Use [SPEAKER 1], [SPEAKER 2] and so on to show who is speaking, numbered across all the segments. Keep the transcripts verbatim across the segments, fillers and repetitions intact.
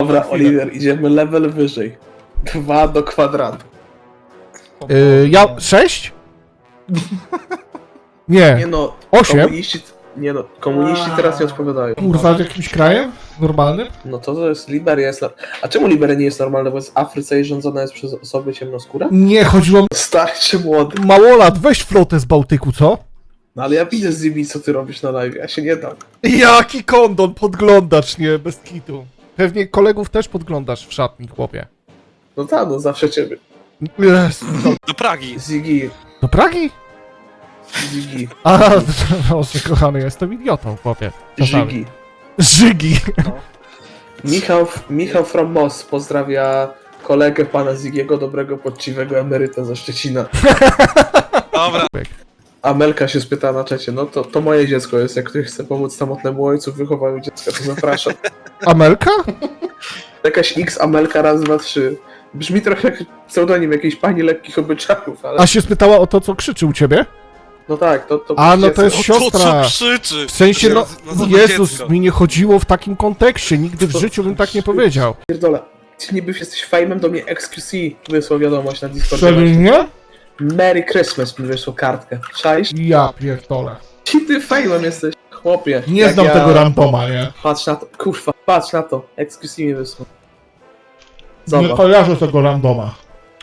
[SPEAKER 1] Dobra, Oliver, idziemy level wyżej. Dwa do kwadratu.
[SPEAKER 2] Yy, ja... sześć? Nie.
[SPEAKER 1] Nie no,
[SPEAKER 2] Osiem?
[SPEAKER 1] komuniści... Nie no, komuniści teraz nie odpowiadają.
[SPEAKER 2] Kurwa, w jakimś krajem? Normalnym?
[SPEAKER 1] No to to jest Liberia jest... A czemu Liberia nie jest normalna? Bo jest w Afryce i rządzona jest przez osoby ciemnoskóre?
[SPEAKER 2] Nie, chodziło...
[SPEAKER 1] Stary czy młody?
[SPEAKER 2] Małolat, weź flotę z Bałtyku, co?
[SPEAKER 1] No ale ja widzę z Zibi, co ty robisz na live, ja się nie dam.
[SPEAKER 2] Jaki kondon, podglądacz, nie, bez kitu. Pewnie kolegów też podglądasz w szatni, chłopie.
[SPEAKER 1] No tak, no zawsze ciebie.
[SPEAKER 2] Jezu.
[SPEAKER 3] Do Pragi.
[SPEAKER 1] Ziggy,
[SPEAKER 2] Do Pragi?
[SPEAKER 1] Ziggy,
[SPEAKER 2] A, proszę, kochany, jestem idiotą, chłopie. Czasami.
[SPEAKER 1] Ziggy.
[SPEAKER 2] Żygi.
[SPEAKER 1] Michał, Michał from Moss pozdrawia kolegę pana Zigiego, dobrego, poczciwego emeryta ze Szczecina.
[SPEAKER 3] Dobra.
[SPEAKER 1] Amelka się spyta na czacie, no to, to moje dziecko jest, jak ktoś chce pomóc samotnemu ojcu w wychowaniu dziecka, to zapraszam.
[SPEAKER 2] Amelka?
[SPEAKER 1] Jakaś X Amelka raz, dwa, trzy. Brzmi trochę jak pseudonim jakiejś pani lekkich obyczajów, ale...
[SPEAKER 2] A się spytała o to, co krzyczy u ciebie?
[SPEAKER 1] No tak, to... to
[SPEAKER 2] A, no to jest
[SPEAKER 3] O to,
[SPEAKER 2] siostra.
[SPEAKER 3] co krzyczy.
[SPEAKER 2] W sensie, no,
[SPEAKER 3] Nazywa
[SPEAKER 2] Jezus,
[SPEAKER 3] dziecko.
[SPEAKER 2] mi nie chodziło w takim kontekście, nigdy w życiu bym tak nie powiedział.
[SPEAKER 1] Pierdolę. Ty niby jesteś fejmem, do mnie X Q C wysłał wiadomość na Discordzie.
[SPEAKER 2] Serio?
[SPEAKER 1] Merry Christmas mi wysłał kartkę. Cześć?
[SPEAKER 2] Ja pierdolę.
[SPEAKER 1] Ci ty fejmem jesteś, chłopie.
[SPEAKER 2] Nie
[SPEAKER 1] Jak
[SPEAKER 2] znam
[SPEAKER 1] ja...
[SPEAKER 2] tego randoma, nie?
[SPEAKER 1] Patrz na to, kurwa, patrz na to. X Q C mi wysłał.
[SPEAKER 2] Nie
[SPEAKER 1] Zobacz.
[SPEAKER 2] kojarzę tego randoma.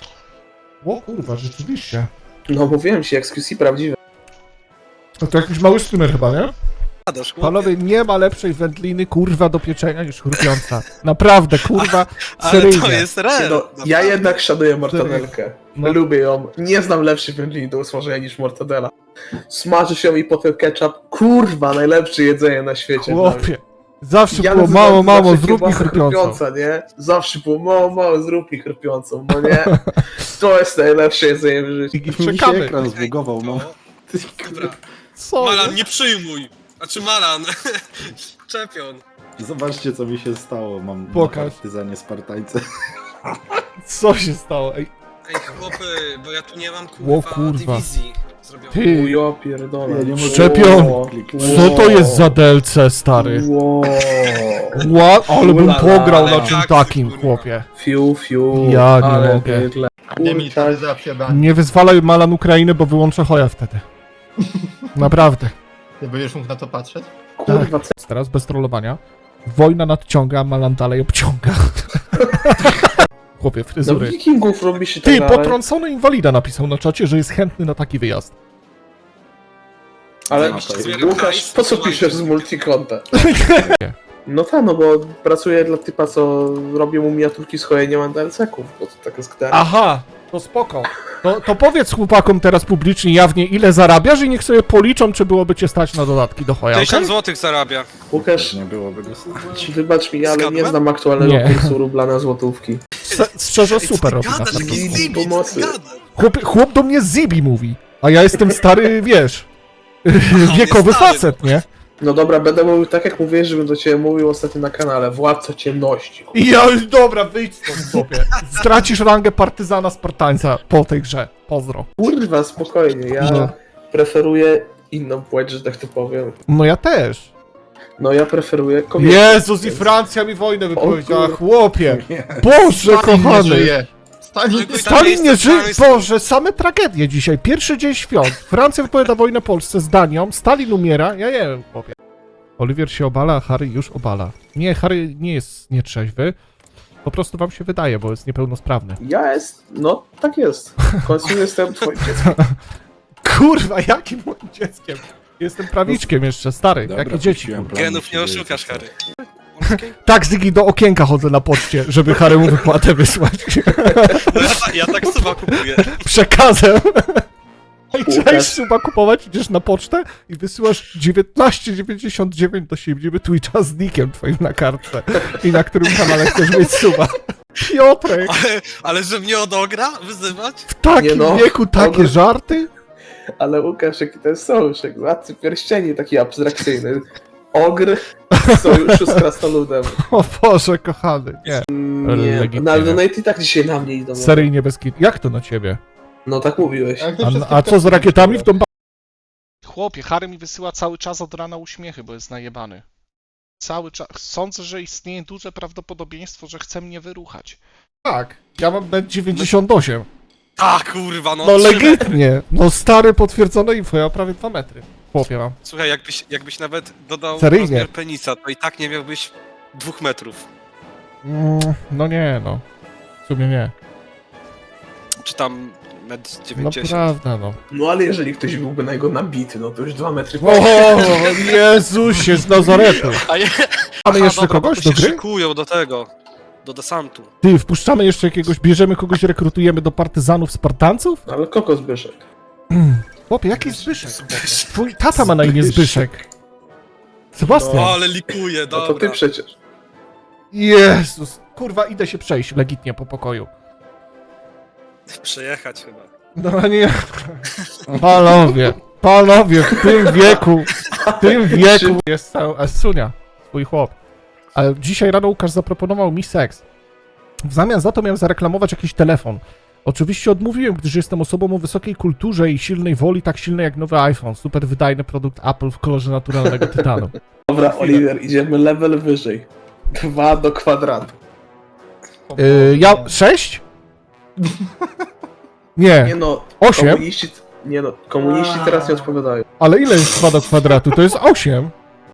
[SPEAKER 2] O kurwa, rzeczywiście.
[SPEAKER 1] No mówiłem ci, X Q C prawdziwe.
[SPEAKER 2] To, to jakiś mały streamer chyba, nie?
[SPEAKER 3] Gadasz, chłopie.
[SPEAKER 2] Panowie, nie ma lepszej wędliny, kurwa, do pieczenia niż chrupiąca. Naprawdę, kurwa,
[SPEAKER 3] Ale
[SPEAKER 2] seryjnie.
[SPEAKER 3] to jest real.
[SPEAKER 1] No, ja jednak szanuję mortadelkę.
[SPEAKER 2] No.
[SPEAKER 1] Lubię ją. Nie znam lepszej wędliny do usmażenia niż mortadela. Smaży się i potem ketchup. Kurwa, najlepsze jedzenie na świecie.
[SPEAKER 2] Chłopie. Zawsze
[SPEAKER 1] Ja
[SPEAKER 2] było
[SPEAKER 1] nazywam
[SPEAKER 2] mało,
[SPEAKER 1] to
[SPEAKER 2] mało,
[SPEAKER 1] zawsze
[SPEAKER 2] zrób mi
[SPEAKER 1] kiełbasę
[SPEAKER 2] chrupiącą.
[SPEAKER 1] chrupiąca, nie? Zawsze było mało, mało, zrób mi chrupiącą, no nie? To jest najlepsze jedzenie w życiu.
[SPEAKER 2] I
[SPEAKER 4] Mi się
[SPEAKER 2] czekamy.
[SPEAKER 4] ekran zbugował, no.
[SPEAKER 3] Dobra.
[SPEAKER 2] Co?
[SPEAKER 3] Malan, nie przyjmuj. Znaczy Malan. Czepion.
[SPEAKER 4] Zobaczcie, co mi się stało. Mam
[SPEAKER 2] Pokaż.
[SPEAKER 4] na partyzanie Spartańce.
[SPEAKER 2] Co się stało? Ej,
[SPEAKER 3] Ej, chłopy, bo ja tu nie mam
[SPEAKER 2] O,
[SPEAKER 3] kurwa,
[SPEAKER 2] kurwa.
[SPEAKER 3] dywizji zrobionej.
[SPEAKER 2] ty,
[SPEAKER 1] Ujo, pierdolę.
[SPEAKER 4] Ja nie mogę-
[SPEAKER 2] Szczepion.
[SPEAKER 1] Ło,
[SPEAKER 2] co to jest za D L C, stary?
[SPEAKER 1] Ło.
[SPEAKER 2] Ła, ale bym
[SPEAKER 1] Ulala,
[SPEAKER 2] pograł na
[SPEAKER 3] ale
[SPEAKER 2] czym
[SPEAKER 3] jak
[SPEAKER 2] takim,
[SPEAKER 3] ty, kurwa.
[SPEAKER 2] chłopie.
[SPEAKER 1] Fiu, fiu.
[SPEAKER 2] Ja nie
[SPEAKER 1] ale
[SPEAKER 2] mogę.
[SPEAKER 1] bydle. Kurczak.
[SPEAKER 5] Demilitaryzacja Danii.
[SPEAKER 2] Nie wyzwalaj Malan Ukrainy, bo wyłączę Hoja wtedy. Naprawdę.
[SPEAKER 5] Ty będziesz mógł na to patrzeć?
[SPEAKER 1] Kurwa, co?
[SPEAKER 2] Teraz bez trollowania. Wojna nadciąga, a Malan dalej obciąga. Chłopie,
[SPEAKER 1] No
[SPEAKER 2] fryzury.
[SPEAKER 1] wikingów robi się
[SPEAKER 2] Ty,
[SPEAKER 1] tak dalej.
[SPEAKER 2] potrącony inwalida napisał na czacie, że jest chętny na taki wyjazd.
[SPEAKER 1] Ale
[SPEAKER 3] Zbieram
[SPEAKER 1] Łukasz,
[SPEAKER 3] hajs,
[SPEAKER 1] po co
[SPEAKER 3] słuchajcie.
[SPEAKER 1] piszesz z multikonta? No tak, no bo pracuję dla typa, co robi mu miniaturki z chojeniem D L C-ków, bo to tak jest gdera.
[SPEAKER 2] Aha, to spoko. To, to powiedz chłopakom teraz publicznie, jawnie, ile zarabiasz i niech sobie policzą, czy byłoby cię stać na dodatki do Hoja, okej?
[SPEAKER 3] tysiąc złotych zarabia.
[SPEAKER 1] Łukasz,
[SPEAKER 4] Nie byłoby go stać.
[SPEAKER 1] wybacz mi, ale nie
[SPEAKER 3] Zgadłem?
[SPEAKER 1] znam aktualnego
[SPEAKER 2] Nie.
[SPEAKER 1] kursu rubla na złotówki.
[SPEAKER 2] Se- Szczerze, super robi
[SPEAKER 3] Gadasz,
[SPEAKER 2] nas na
[SPEAKER 3] jaki
[SPEAKER 2] początku.
[SPEAKER 3] zibi,
[SPEAKER 1] Pomocy.
[SPEAKER 3] gadasz.
[SPEAKER 2] Chłop, chłop do mnie Zibi mówi, a ja jestem stary, wiesz,
[SPEAKER 3] jest
[SPEAKER 2] wiekowy
[SPEAKER 3] stary.
[SPEAKER 2] facet, nie?
[SPEAKER 1] No dobra, będę mówił tak, jak mówiłeś, żebym do ciebie mówił ostatnio na kanale. Władca ciemności.
[SPEAKER 2] I ja już, dobra, wyjdź stąd sobie. Stracisz rangę partyzana Spartańca po tej grze. Pozdro.
[SPEAKER 1] Kurwa, spokojnie, ja
[SPEAKER 2] No.
[SPEAKER 1] preferuję inną płeć, że tak to powiem.
[SPEAKER 2] No ja też.
[SPEAKER 1] No ja preferuję kobiety.
[SPEAKER 2] Jezus, i Francja mi wojnę wypowiedziała,
[SPEAKER 1] kur-
[SPEAKER 2] chłopie. Boże,
[SPEAKER 5] Stalin nie
[SPEAKER 2] kochany.
[SPEAKER 5] żyje. Stalin
[SPEAKER 3] Ale-
[SPEAKER 2] Stalin nie
[SPEAKER 3] jest
[SPEAKER 2] żyje.
[SPEAKER 3] państwo.
[SPEAKER 2] Boże, same tragedie dzisiaj. Pierwszy dzień świąt. Francja wypowiada wojnę Polsce z Danią. Stalin umiera. Ja nie wiem, chłopie. Oliwier się obala, a Harry już obala. Nie, Harry nie jest nietrzeźwy. Po prostu wam się wydaje, bo jest niepełnosprawny.
[SPEAKER 1] Ja jest, no tak jest. W końcu jestem twoim dzieckiem.
[SPEAKER 2] Kurwa, jakim moim dzieckiem? Jestem prawiczkiem jeszcze, stary.
[SPEAKER 4] Dobra,
[SPEAKER 2] Jakie dzieci,
[SPEAKER 4] puściłem
[SPEAKER 2] kurwa.
[SPEAKER 4] plan
[SPEAKER 3] Genów
[SPEAKER 4] do
[SPEAKER 3] nie
[SPEAKER 4] siebie,
[SPEAKER 3] oszukasz,
[SPEAKER 4] co-
[SPEAKER 3] Harry.
[SPEAKER 2] Tak, Zygi, do okienka chodzę na poczcie, żeby Harry mu wypłatę wysłać.
[SPEAKER 3] No ja, ta, ja tak suba kupuję.
[SPEAKER 2] Przekazem. Ej,
[SPEAKER 1] Łukasz.
[SPEAKER 2] cześć, suba kupować, idziesz na pocztę i wysyłasz dziewiętnaście dziewięćdziesiąt dziewięć do siebie Twitcha z nickiem twoim na kartce i na którym kanale chcesz mieć suba. Piotrek,
[SPEAKER 3] Ale, ale że mnie odogra wyzywać?
[SPEAKER 2] w takim
[SPEAKER 1] Nie no,
[SPEAKER 2] wieku takie
[SPEAKER 1] ogry-
[SPEAKER 2] żarty?
[SPEAKER 1] Ale Łukasz, jaki to jest sojuszek? Władcy pierścieni taki abstrakcyjny. Ogr w sojuszu z krasnoludem.
[SPEAKER 2] O Boże, kochany, nie.
[SPEAKER 1] Nie,
[SPEAKER 2] Legitnie.
[SPEAKER 1] no ale donate i tak dzisiaj na mnie idą.
[SPEAKER 2] Seryjnie bez kit. Jak to na ciebie?
[SPEAKER 1] No tak mówiłeś.
[SPEAKER 5] Jak te
[SPEAKER 2] A,
[SPEAKER 5] wszystkie
[SPEAKER 2] a co z rakietami w tą ba-
[SPEAKER 6] Chłopie, Harry mi wysyła cały czas od rana uśmiechy, bo jest najebany. cały czas. Sądzę, że istnieje duże prawdopodobieństwo, że chce mnie wyruchać.
[SPEAKER 2] Tak, ja mam metr dziewięćdziesiąt osiem.
[SPEAKER 3] Tak, kurwa, no.
[SPEAKER 2] No
[SPEAKER 3] trzy metry.
[SPEAKER 2] legitnie. No stary, potwierdzone info, ja mam prawie dwa metry. Chłopie mam.
[SPEAKER 3] Słuchaj, jakbyś, jakbyś nawet dodał
[SPEAKER 2] Seryjnie.
[SPEAKER 3] rozmiar penisa, to i tak nie miałbyś dwóch metrów.
[SPEAKER 2] Mm, no nie, no. W sumie nie.
[SPEAKER 3] Czy tam metr
[SPEAKER 2] No
[SPEAKER 3] dziewięćdziesiąt.
[SPEAKER 2] prawda, no.
[SPEAKER 1] No ale jeżeli ktoś byłby na jego nabity, no to już dwa metry...
[SPEAKER 2] O, Jezusie z Nazaretu.
[SPEAKER 3] A je...
[SPEAKER 2] Mamy
[SPEAKER 3] Aha,
[SPEAKER 2] jeszcze
[SPEAKER 3] dobra,
[SPEAKER 2] kogoś
[SPEAKER 3] bo
[SPEAKER 2] do
[SPEAKER 3] się
[SPEAKER 2] gry?
[SPEAKER 3] szykują do tego, do desantu.
[SPEAKER 2] Ty, wpuszczamy jeszcze jakiegoś, bierzemy kogoś, rekrutujemy do partyzantów, Spartanców?
[SPEAKER 1] Ale kokos Zbyszek.
[SPEAKER 2] Chłopie, jaki Zbyszek? Twój tata ma na imię Zbyszek. Sebastian.
[SPEAKER 3] O, ale likuje,
[SPEAKER 1] No
[SPEAKER 3] dobra.
[SPEAKER 1] to ty przecież.
[SPEAKER 2] Jezus. Kurwa, idę się przejść legitnie po pokoju.
[SPEAKER 3] Przejechać chyba.
[SPEAKER 2] No nie. Panowie, panowie, w tym wieku, w tym wieku jest cały Asunia, swój chłop. Ale dzisiaj rano Łukasz zaproponował mi seks. W zamian za to miałem zareklamować jakiś telefon. Oczywiście odmówiłem, gdyż jestem osobą o wysokiej kulturze i silnej woli, tak silnej jak nowy iPhone. Super wydajny produkt Apple w kolorze naturalnego tytanu.
[SPEAKER 1] Dobra, Oliver, idziemy level wyżej. Dwa do kwadratu.
[SPEAKER 2] Yy, ja... sześć?
[SPEAKER 1] Nie
[SPEAKER 2] Nie,
[SPEAKER 1] no,
[SPEAKER 2] osiem?
[SPEAKER 1] komuniści... Nie no, komuniści teraz nie odpowiadają.
[SPEAKER 2] Ale ile jest dwa do kwadratu? To jest osiem.